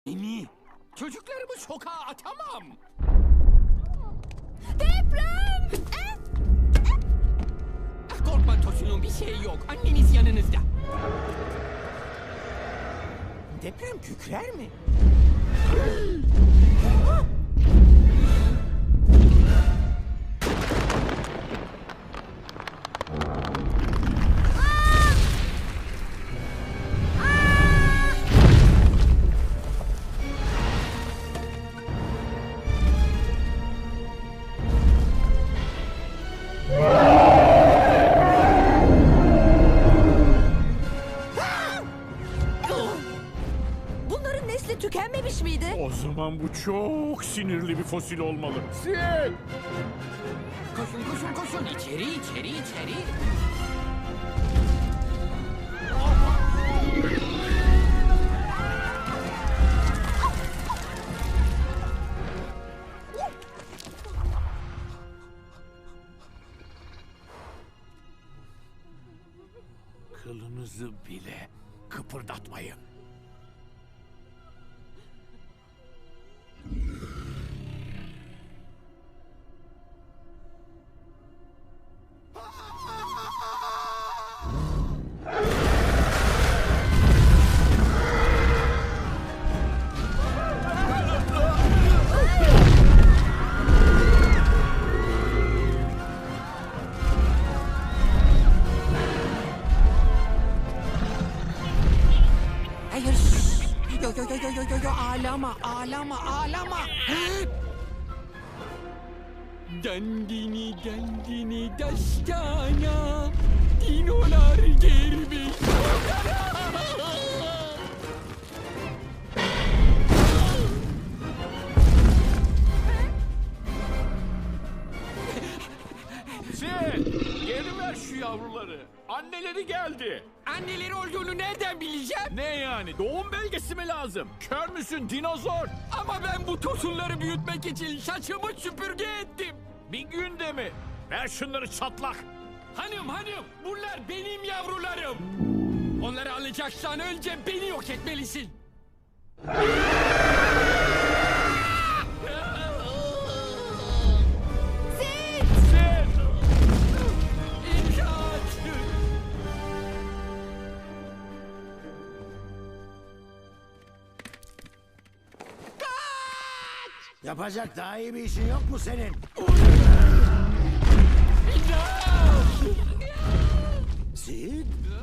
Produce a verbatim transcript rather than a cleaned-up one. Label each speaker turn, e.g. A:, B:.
A: Beni, çocuklarımı sokağa atamam.
B: Deprem! Eh,
A: Ah, korkma Tosun'un bir şey yok. Anneniz yanınızda. Deprem kükrer mi?
B: Bunların nesli tükenmemiş miydi?
C: O zaman bu çok sinirli bir fosil olmalı. Sil!
A: Koşun koşun koşun. İçeri içeri içeri.
C: Kılınızı bile kıpırdatmayın.
A: Hayır. şşş. Yo yo yo yo yo yo yo ağlama ağlama ağlama. Dandini dandini dastana. Dinolar gelmiş.
C: Sil! Geri ver şu yavruları. Anneleri geldi.
A: Anneleri olduğunu nereden bileceğim?
C: Ne yani? Doğum belgesi mi lazım? Kör müsün dinozor?
A: Ama ben bu tosunları büyütmek için saçımı süpürge ettim.
C: Bir günde mi? Ver şunları çatlak.
A: Hanım hanım bunlar benim yavrularım. Onları alacaksan önce beni yok etmelisin.
B: Sid!
C: Sil!
A: İmdat!
D: Yapacak daha iyi bir işin yok mu senin?
A: İmdat!
D: Sid?